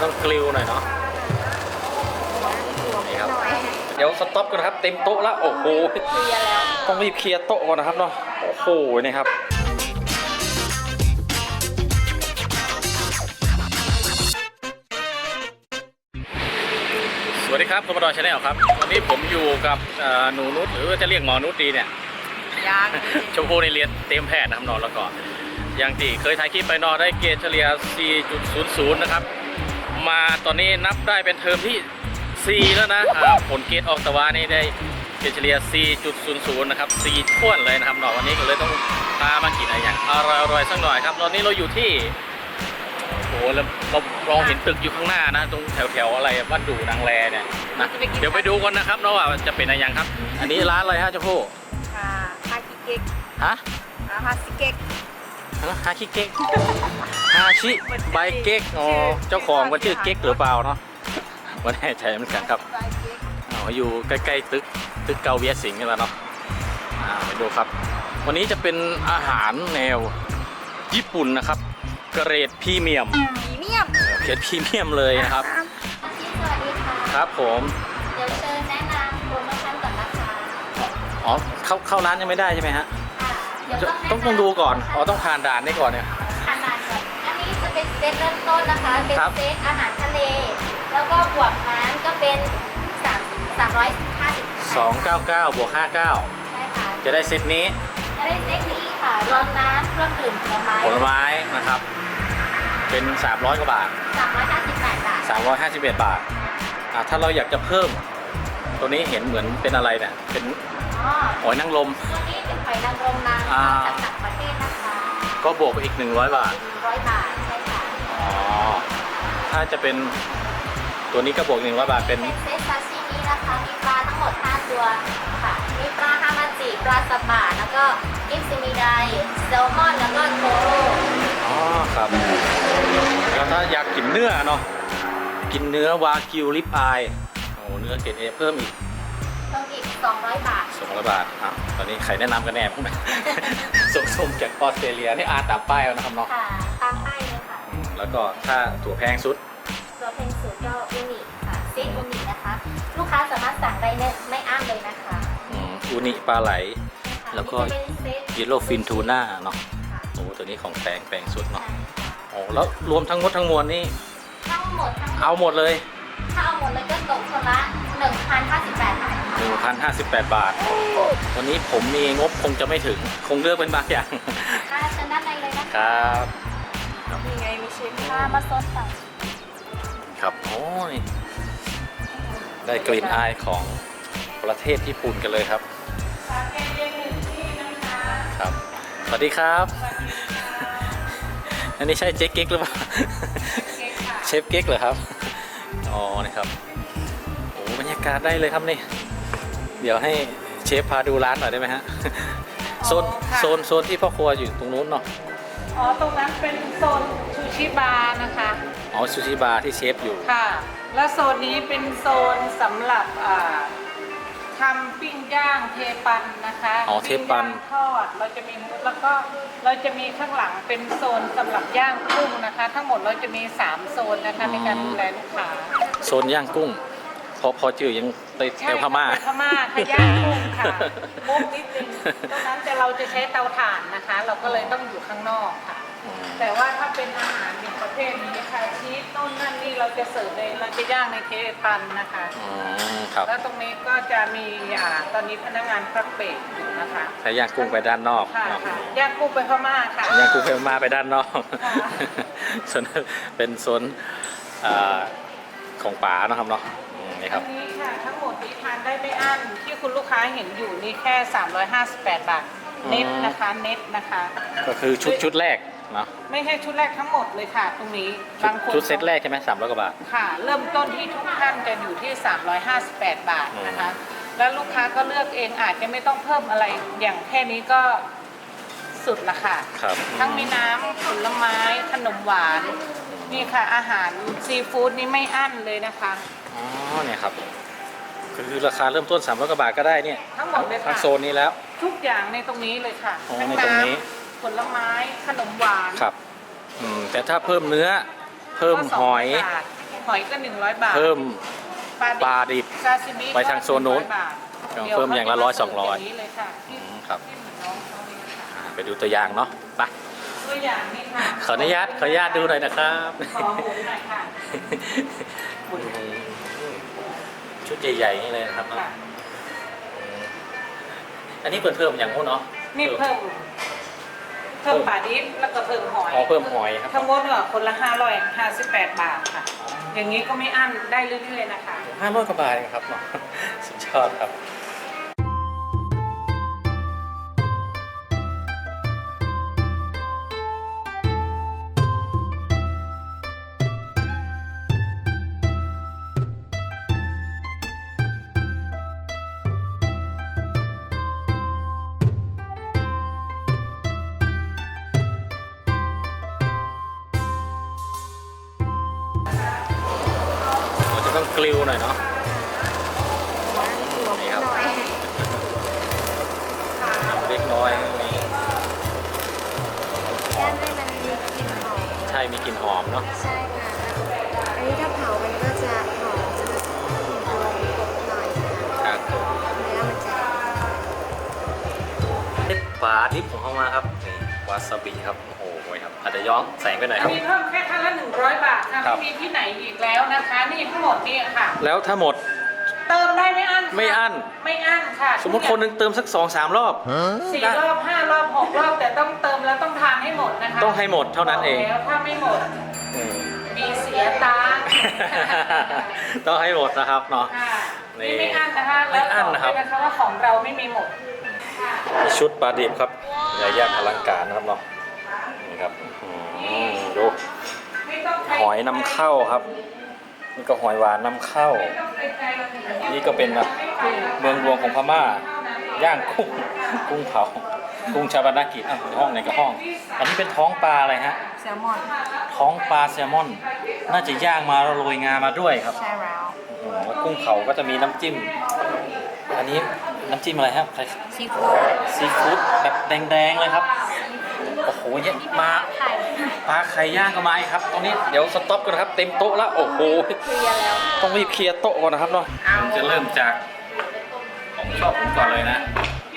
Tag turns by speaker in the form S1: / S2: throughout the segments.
S1: ต้องกริลหน่อยเนาะนี่ครับเดี๋ยวสต็อปกันนะครับเต็มโต๊ะแล้วโอ้โหต้องรีบเคลียร์โต๊ะก่อนนะครับเนาะโอ้โหนี่ครับสวัสดีครับคุณบดอยชาแนลครับวันนี้ผมอยู่กับหนูนุชหรือจะเรียกหมอนุชดีเนี่ยชมพูในเรียนเต็มแพทย์นะครับนอนแล้วก็อย่างที่เคยถ่ายคลิปไปนอนได้เกรดเฉลี่ย 4.00 นะครับมาตอนนี้นับได้เป็นเทอมที่ 4 แล้วนะผลเกรดออกตะวันนี่ได้เกรดเฉลี่ย 4.00 นะครับ4ท้วนเลยนะครับนอนวันนี้ก็เลยต้องพามากินอะไรอย่างอร่อยๆสักหน่อยครับตอนนี้เราอยู่ที่โอ้โหเราเห็นตึกอยู่ข้างหน้านะตรงแถวอะไรบ้านดูนางแลเนี่ยนะเดี๋ยวไปดูกันนะครับเนาะว่าจะเป็นอะไรอย่างครับอันนี้ร้านอะไรฮะเจ้าพ่อ
S2: ฮาคิเก็ก
S1: ฮะ
S2: ฮาซิเก็ก
S1: ฮาชิเก๊กฮาชิใบเก๊กอ๋อเจ้าของมันชื่อเก๊กหรือเปล่าเนาะไม่แน่ใจเหมือนกันครับอยู่ใกล้ๆตึกเกาเวียสิงห์กันแล้วเนาะไปดูครับวันนี้จะเป็นอาหารแนวญี่ปุ่นนะครับเกรดพรีเมียมเกรดพรีเมียมเลยนะครับ
S2: สวัสดีค่ะ
S1: ครับผม
S2: เดี๋ยวเชิญแนะนำโปรโมชั่นก่อนนะคะ
S1: อ๋อเข้าร้านยังไม่ได้ใช่ไหมฮะต้องดูก่อนอ๋อต้องผ่านด่านนี่ก่อนเนี่ย
S2: ผ่านด่านก่อนอันนี้จะเป็นเซตเริ่มต้นนะคะเป็นเซตอาหารทะเลแล้วก็บวกน้ำก็เป็น
S1: 299บวก59
S2: ใช่ค่ะ
S1: จะได้เซตนี้
S2: จะได้เซตนี้ค่ะรวมน้ำเครื่องดื่มผลไม้
S1: นะครับเป็น300กว่าบาท351 บาทถ้าเราอยากจะเพิ่มตัวนี้เห็นเหมือนเป็นอะไรเนี่ยเป็นหอยนางรม
S2: ตัวนี้เป็นหอยนางรมนำจากต่างประเทศนะคะ
S1: ก็บวกไปอีก100 บาท
S2: 100 บาทใช่ค่ะ
S1: ถ้าจะเป็นตัวนี้ก็บวก100 บาทเป็น
S2: เซตซาชิมินะคะมีปลาทั้งหมด5ตัวค่ะมีปลาฮามาจิปลาสบะแล้วก็กิฟซิมิไดแซลมอนแล้วก็โทโร่
S1: ครับแล้วถ้าอยากกินเนื้อเนาะกินเนื้อวากิวริบอายเนื้อเกรด A เพิ่มอีก
S2: 200 บาท
S1: 200 บาทตอนนี้ใครแนะนำกันแน่พวกนั้นส่งจากออสเตรเลียนี่ตามป้ายนะครับเนาะ
S2: ค่ะตามป้ายเลยค่ะ
S1: แล้วก็ถ้าถั่วแพงสุด
S2: ตัวเพนสุดก็อูนิค่ะเซตอูนินะคะลูกค้าสามารถสั่งได้ไม่อ้างเลยนะคะ
S1: อูนิปลาไหลแล้วก็เยลโล่ฟินทูน่าเนาะตัวนี้ของแพงสุดเนาะแล้วรวมทั้งหมดทั้งมวลนี่เอาหมดเลย
S2: ถ้าเอาหมดเลยก็ตกคนละ1,058 บาท
S1: 1,058 บาทวันนี้ผมมีงบคงจะไม่ถึงคงเลือกเป็นบางอย่าง
S2: ค่ะเชิญด้านในเลยนะครับมีไงมีเชฟมาซดสั่ง
S1: ครับโอ้ยได้กลิ่นอายของประเทศญี่ปุ่นกันเลยครับครับสวัสดีครับอันนี้ใช่เจ๊เก๊กหรือเปล่าเชฟเก๊กเหรอครับนี่ครับโอ้บรรยากาศได้เลยครับนี่เดี๋ยวให้เชฟพาดูร้านหน่อยได้ไหมฮะโซนที่พ่อครัวอยู่ตรงนู้นเนาะ
S3: ตรงนั้นเป็นโซนซูชิบาร์นะคะ
S1: ซูชิบาร์ที่เชฟอยู่
S3: ค่ะแล้วโซนนี้เป็นโซนสำหรับทำปิ้งย่างเทปันนะคะ
S1: เทปัน
S3: ทอดเราจะมีแล้วก็เราจะมีข้างหลังเป็นโซนสำหรับย่างกุ้งนะคะทั้งหมดเราจะมี3โซนนะคะในการดูแลลูกค้า
S1: โซนย่างกุ้งพอจื่อยังไปแถวพม่า
S3: ค่ะย่างกุ้งค่ะมุกนิดนึงตรงนั้นแต่เราจะใช้เตาถ่านนะคะเราก็เลยต้องอยู่ข้างนอกค่ะแต่ว่าถ้าเป็นอาหารอย่างประเภทนี้ค่ะชีสต้นนั่นนี่เราจะเสิร์ฟในเราจะย่างในเทปันนะคะแล้วตรงนี้ก็จะมีตอนนี้พนักงานพักเบรกอยู่นะคะ
S1: ใช้ย่างกุ้งไปด้านนอก
S3: ค่ะย่างกุ้งไปพม่าค่ะ
S1: ย่างกุ้งไปพม่าไปด้านนอกส่วนเป็นโซนของป๋านะครับเนาะนี่ครับ
S3: อันนี้ค่ะทั้งหมดนี้ทานได้ไม่อั้นที่คุณลูกค้าเห็นอยู่นี่แค่358 บาทเน็ตนะคะเน็ตนะคะ
S1: ก็คือชุดแรกเนาะ
S3: ไม่ใช่ชุดแรกทั้งหมดเลยค่ะตรงนี้
S1: บางคนชุดเซตแรกใช่ไหม300 กว่าบาท
S3: ค่ะเริ่มต้นที่ทุกท่านจะอยู่ที่358 บาทนะคะแล้วลูกค้าก็เลือกเองอาจจะไม่ต้องเพิ่มอะไรอย่างแค่นี้ก็สุดละค่ะทั้งมีน้ำผลไม้ขนมหวานนี่ค่ะอาหารซีฟู้ดนี่ไม่อั้นเลยนะคะ
S1: เนี่ยครับคือราคาเริ่มต้น300 กว่าบาทก็ได้เนี่ย
S3: ทั้งหมดเลยค่ะ
S1: ทั้งโซนนี้แล้ว
S3: ทุกอย่างในตรงนี้เลยค่ะ
S1: ในตรงนี้
S3: ผลไม้ขนมหวาน
S1: ครับแต่ถ้าเพิ่มเนื้อเพิ่มหอย
S3: หอยก็100 บาท
S1: เพิ่ม
S3: ปลา
S1: ปลาดิบ
S3: ซาซิมิ
S1: ไปทางโซนนู้น
S3: 100 บาท
S1: เพิ่มอย่างละ100 200
S3: นี้เลยค่ะที่
S1: ครับ
S3: ที่เหมือนน้องเขาเลยค่ะ
S1: ไปดูตัวอย่างเนาะไป
S3: ตัวอย่างนี่ค่ะ
S1: ขออนุญาตดูหน่อยนะครับ
S3: ขอหมูหน่อยค่ะ
S1: ชุดใหญ่ๆนี่เลยนะครับเนาะ
S3: ค่ะ
S1: อันนี้เพิ่มอย่างงู้นเนาะ
S3: นี่เพิ่มปลาดิบแล้วก็เพิ่มหอย
S1: อ๋อเพิ่มหอยครับ
S3: ทั้งหมดก็คนละ558 บาทค่ะ อย่างนี้ก็ไม่อั้นได้เรื่อยๆนะคะ
S1: 500 กว่าบาทเองครับเนาะ สุดยอดครับเราจะต้องกลิวหน่อยเนาะนี่ครับเล็กน้อยมี
S2: ย่างให้มันมีกลิ่นหอม
S1: ใช่มีกลิ่นหอมเนาะ
S2: ใช่ค่ะอันนี้ถ้าเผามันก็จะหอมจะกลิ่นตัวกบหน่อยค่ะ
S1: ครับ
S2: เนื้อมันจะ
S1: นี่ปลาดิบของเขามาครับนี่วาซาบิครับโอ้โหครับอาจจะย้อนแสงไปหน่อย
S3: อั
S1: คน รับ
S3: นี้เพิ่มแค่ท่านละ100 บาทค่ะ
S1: ครั
S3: ไม่
S1: บ
S3: มีที่ไหนอีกแล้วนะคะ นี่ทั้งหมดนี่ค่ะ
S1: แล้วถ้าหมด
S3: เติมได้ไม่อั้นค่ะ
S1: ไม่อั้น
S3: ไม่อั้นค่ะ
S1: สมมติคนหนึงเติมสัก 2-3 รอบ
S3: 4 รอบ 5 รอบ 6 รอบ แต่ต้องเติมแล้วต้องทานให้หมดนะคะ
S1: ต้องให้หมดเท่านั้นเอง
S3: แล้วถ้าไม่หมด
S1: อืม
S3: มีเสียตังค์
S1: ต้องให้หมดนะครับเนาะ
S3: ค่ะ
S1: นี่
S3: นี่ไม่อั้นนะคะ
S1: ไม่อั้นนะครับ
S3: แล้วบอกด้วยนะคะว่าของเราไม่มีหมด
S1: มีชุดปลาดิบครับใหญ่ยักษ์อลังการนะครับเนาะนี่ครับดู
S3: ไม่ต้องไป
S1: หอยนำเข้าครับนี่ก็หอยหวานนำเข้า
S3: ไม่ต้องไปไกลหรอก
S1: นี่ก็เป็นแบบเมืองรวงของพม่าย่างกุ้งเผากุ้งชาบานากิอ่ะในห้องไหนก็ห้อง อันนี้เป็นท้องปลาอะไรฮะ
S2: แซลมอน
S1: ท้องปลาแซลมอน น่าจะย่างมาแล้วโรยงามาด้วยครับ
S2: ใช่แล้ว
S1: แล้วกุ้งเผาก็จะมีน้ำจิ้ม อันนี้น้ำจิ้มอะไรครับ
S2: ซีฟู้ด
S1: ซีฟู้ดแบบแดงๆเลยครับ โอ้โหเยอะมา
S2: ไข่
S1: ปลาไข่ย่างก็มาอีกครับ ตรงนี้เดี๋ยวสต็อปกันนะครับ เต็มโต๊ะแล้ว โอ้โห
S2: เคลียร์แล้ว
S1: ต้องรีบเคลียร์โต๊ะก่อนนะครับเนาะผมจะเริ่มจากของชอบผมก่อนเลยนะ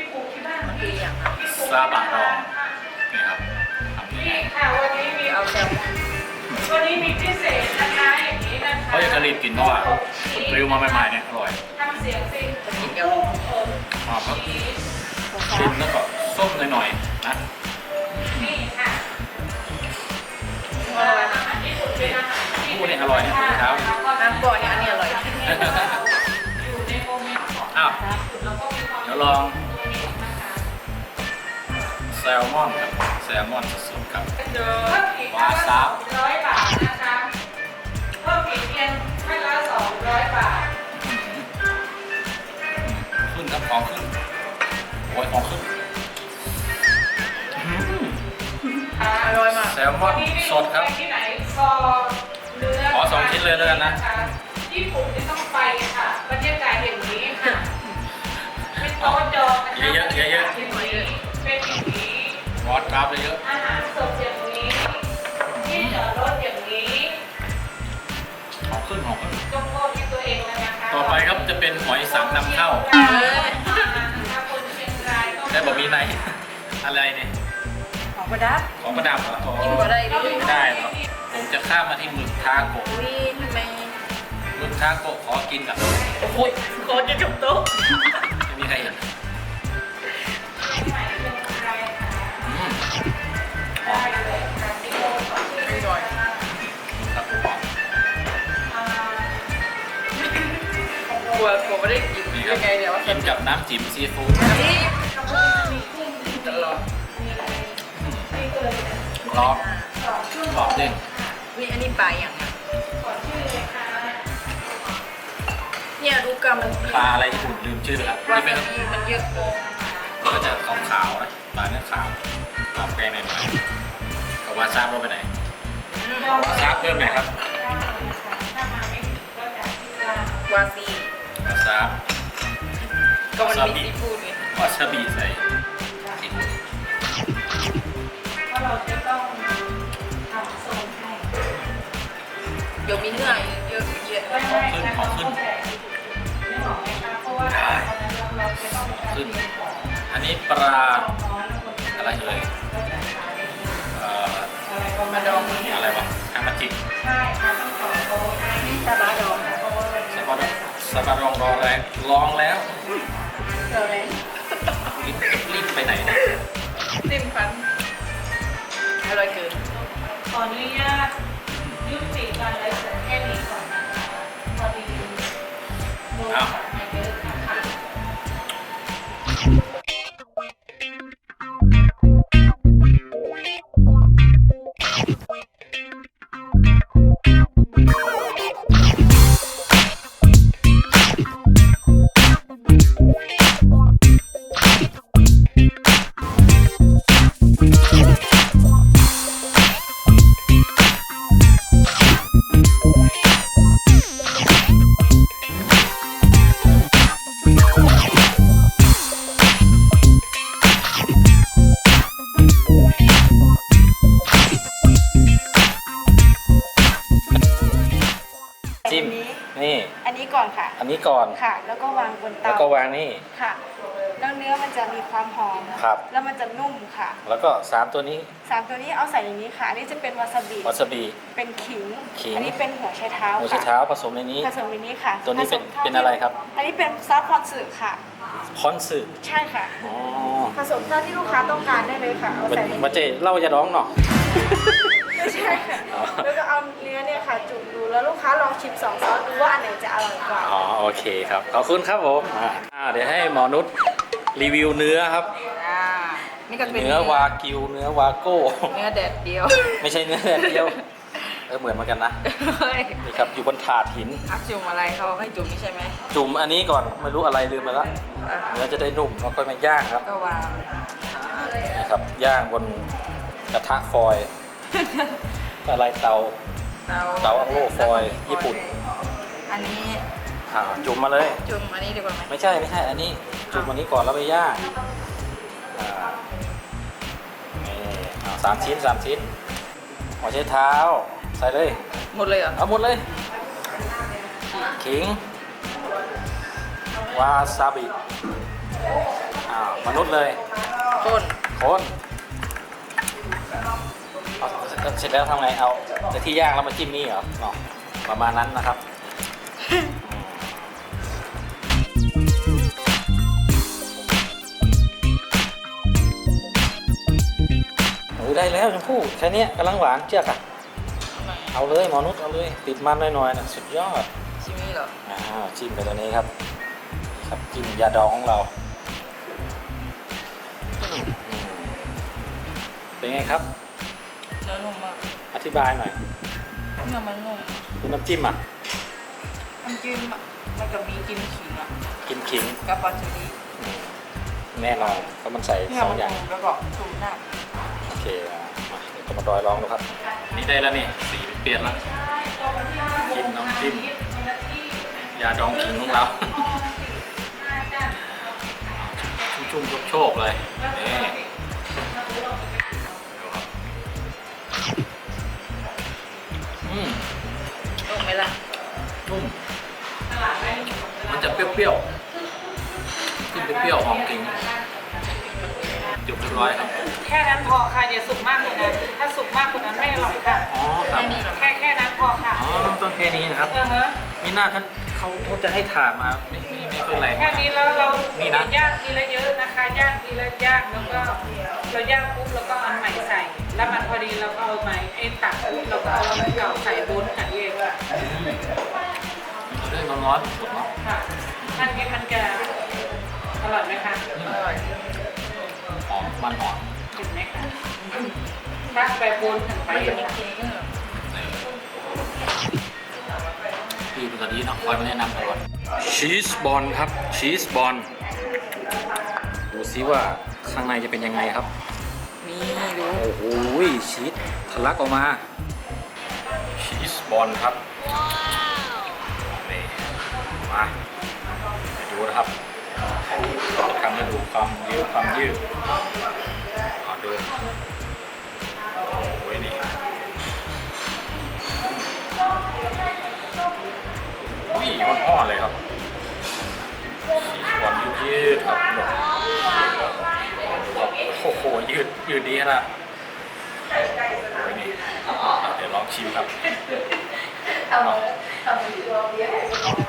S1: ซาบะดองนี่ครับทำยังไง
S3: ค่ะวันนี้มีเอาแซลมอนวันนี้มีพิเศษนะคะอย่างนี้นะคะ
S1: เขาจะรีบกินเพราะว่าริวมาใหม่ๆเนี่ยอร่อย
S3: ทำเสียงสิ
S1: หอมครับชิมแล้วก็ส้มหน่อยๆนะ
S3: นี่ค่ะ
S2: อร่อยมาก
S1: คู่นี่อร่อยนะเช้า
S2: น้ำก่อนเนี่ยอันนี้อร่อย
S3: อยู่ในโมเมนต์ของ
S1: อ้าว
S3: แล้วก็มีความ
S1: เดี๋ยวลองแซลมอนครับแซลมอนสดๆครับ
S3: เพิ่มอีกท่านละ200 บาทนะคะเพิ่มอีกเพียงท่านละ200 บาท
S1: ขึ้นครับของขึ้นโอ้ยของขึ้น
S3: อร่อยมาก
S1: แซลมอนสดครับ
S3: ที่ไหนคอเนื้อ
S1: ขอ2 ชิ้นเลยแล้วกันนะ
S3: ญี่ปุ่นที่ต้องไปค่ะบรรยากาศอย่างนี้ค่ะเป็นโต๊ะจองนะคะ
S1: เยอะๆเยอะๆ
S3: เป็นอย่างนี้เป็นอย่างนี้
S1: วอดครับเยอะ
S3: อาหารสดอย่างนี้ที่จอดรถอย่างนี้
S1: ๆของขึ้นของขึ้น
S3: ยกโทษที่ตัวเองเลยนะคะ
S1: ต่อไปครับจะเป็นหอยสังนำเข้า
S3: คนเชียงรายต้อง
S1: แต่บอกมีในอะไรเนี่ย
S2: ของประดับ
S1: ของประดับเหรอ
S2: กินบ่ได้ดิ
S1: ไม่ได้หรอกผมจะข้ามมาที่หมึกทาโกะ
S2: อุ้ยทำไม
S1: หมึกทาโกะขอกินกับ
S2: โอ้ยโคตรจะจบโต๊ะ
S1: ไม่มีใครเห็นอืมหอมครับหอม
S2: กลัวไม่ได้กิน
S1: นี่ครับกินกับน้ำจิ้มซีฟู้ด
S2: ตลอด
S1: กรอบกรอบเด้ง
S2: นี่อันนี้ปลาอย่างเนี่ยดูกรรมมัน
S1: ปลาอะไรญี่ปุ่นลืมชื่อแล้ว
S2: วา
S1: ที่
S2: ซา
S1: เป็น
S2: บิมันเยอะเกิน
S1: ก็จะขาวๆนะปลาเนื้อขาวขาวแกงหน่อยๆกับวาซาบลงไปไหนวาซาบเพิ่มไหนครับ
S2: วาซี
S1: วาซาบ
S2: ก็มันมีซีฟู้ดไง
S1: วาซาบิใส่ซีฟู้ด
S3: เพราะเราจะต้องทำโซนให้
S4: เดี๋ยวมีเนื้อเยอะเยอะ
S3: ได้นะคะต้องแกะไม่หอมนะคะเพราะว่าเราจะต้อง
S1: ขึ้น อันนี้ปลาอะไรเอ่ย
S3: มาดอง
S1: อะไรวะฮามาจิ
S3: ใช่ค่ะต้องขอโอ้นี่ซาบะดองนะเพราะว่ามัน
S1: สปาร์ลองแรงลองแล้ว
S3: เกิดอะไร
S1: รีบไปไหนนะ
S4: จิ้มฟันอร่อยเกิน
S3: ขออนุญาตยุติการไลฟ์สดแค่นี้ก่อนนะคะพอดีโดนมาเยอะนะคะ
S1: จิ้มนี่
S5: อันนี้ก่อนค่ะ
S1: อันนี้ก่อน
S5: ค่ะ แล้วก็วางบน
S1: แล้ว
S5: เตา
S1: ก็วางนี่
S5: ค่ะ แล้วเนื้อมันจะมีความหอม
S1: ครับ
S5: แล้วมันจะนุ่มค่ะ
S1: แล้วก็3ตัวนี้
S5: 3 ตัวนี้เอาใส่ในนี้ค่ะ อันนี้จะเป็นวาซาบิ
S1: วาซาบิ
S5: เป็นขิง
S1: ขิง
S5: อันนี้เป็นหัวไชเท้า
S1: หัวไช
S5: ค่ะ
S1: เท้าผสมในนี้
S5: ผสมในนี้ค่ะ
S1: ตัวนี้เป็น
S5: ผสมท่า
S1: เป็นอะไรครับ
S5: อันนี้เป็นซอสพอนสึค่ะ
S1: พอนสึ
S5: ใช่ค่ะ
S1: อ๋อ
S5: ผสมเท่าที่ลูกค้าต้องการได้เลยค่ะ เอาใส่ใน
S1: มา
S5: นี้
S1: เจเล่าจะร้องเนาะ
S5: ไม่ใช่ค่ะ
S1: อ๋อ
S5: แล้วก็เอาเนื้อเนี่ยค่ะจุ่มดู แล้วลูกค้าลองชิม2 ซอสดูว่าอันไหนจะอร่อยกว่า
S1: อ๋อโอเคครับ ขอบคุณครับผมเดี๋ยวให้หมอนุชรีวิวเนื้อครับ
S4: นี่ก็เป็น
S1: เนื้อวากิว เนื้อวาโก้
S4: เนื้อแดดเดียว
S1: ไม่ใช่เนื้อแดดเดียว เหมือนเหมือนกันนะ
S4: เฮ้ย
S1: นี่ครับ อยู่บนถาดหิน
S4: อัพจุ่มอะไรเขาให้จุ่มนี่ใช่ไหม
S1: จุ่มอันนี้ก่อน ไม่รู้อะไรลืมไปละ
S4: อ่ะ
S1: เนื้อจะได้นุ่มแล้วก็มาย่างครับ
S4: ก็วาง
S1: นี่ครับ ย่างบนกระทะฟอยล์ อะไรเตาอังโลฟอยล์ญี่ปุ่น
S4: อันนี้
S1: จุ่มมาเลย
S4: จุ่มอันนี้ดีกว่าไหม
S1: ไม่ใช่ อันนี้จุ่มอันนี้ก่อนแล้วไปย่างนี่3 ชิ้นหัวไชเท้า ใส่เลย
S4: หมดเลยเหรอ
S1: เอาหมดเลย ขิง วาซาบิมนุษย์เลย
S4: ต้น
S1: คนเอาเสร็จแล้วทำไง เอาแต่ที่ย่างแล้วมาจิ้มนี่เหรอเนาะประมาณนั้นนะครับ ได้แล้วชมพู่แค่นี้กำลังหวานเจือกอะเอาเลยหมอนุชเอาเลยติดมันหน่อยๆนะสุดยอด
S4: ชิมี่เหรอ
S1: จิ้มไปตัวนี้ครับครับจิ้มยาดองของเราเป็นไงครับ
S4: เนื้อนุ่มมาก
S1: อธิบายหน่อย
S4: เนื้อมันนุ่ม
S1: คุณน้ำจิ้มอ่ะ
S4: น้ำจิ้มอะมันก็มีกินขิงอ่ะ
S1: กินขิง
S4: กับปลาชูรี
S1: แน่นอนเพราะมันใส่
S4: เนื้อ
S1: สอ
S4: มั
S1: ง
S4: น
S1: อย่าง
S4: นุ่มแล้วก็จุ่มหน้า
S1: โอเคมาเดี๋ยวจะมาดอยลองดูครับนี่ได้แล้วนี่สีเปลี่ยนแล้วจิ้มน้ำจิ้มยาดองขิงของเรา ชุ่มๆโชคๆเลยนี่
S4: นุ่มไหมล่ะ
S1: นุ่มมันจะเปรี้ยวๆขึ้นเปรี้ยวหอมกลิ่นจบเรียบร้อยครับ
S3: แค่นั้นพอค่ะอย่าสุกมากกว่านั้นถ้าสุกมากกว่านั้นไม่อร่อยค่ะ
S1: อ๋อครับ
S3: แค่นั้นพอค่ะ
S1: อ๋อต้องแค่นี้นะครับ
S3: ฮะ
S1: มีหน้าเขาจะให้ถ่านมาไม่ค่อยแรง
S3: แค่นี้แล้วเรา
S1: นี่นะ
S3: ย่างทีละเยอะนะคะย่างทีละย่างแล้วก็เราย่างปุ๊บแล้วก็เอาอันใหม่ใส่ แล้วมันพอดีเราก็เอาใหม่ไอ้ตักปุ๊บเราก็เอาอันเก่าใส่บนกันเองค่ะ
S1: เรื่องร้อนๆสดเนาะ
S3: ค่ะมันจะอร่อยไหมคะ
S4: อร่อย
S1: หอมมันหอม
S3: เห็นไหมคะถ้าไปบนกันไป
S4: มันจะมี
S3: ค่ะ
S4: ขิงอะ
S1: พี่เป็นตัวนี้เนาะคอยมาแนะนำตลอดชีสบอลครับชีสบอลดูซิว่าข้างในจะเป็นยังไงครับ
S4: นี่ดู
S1: โอ้โหชีสทะลักออกมาชีสบอลครับนี่มาไปดูนะครับทำให้ดูความยืดเอาดูโอ้ยนี่อนเลยครับวันยืดครับโอ้โหยืดดีขนาดนี่เดี๋ยวลองชิมครับ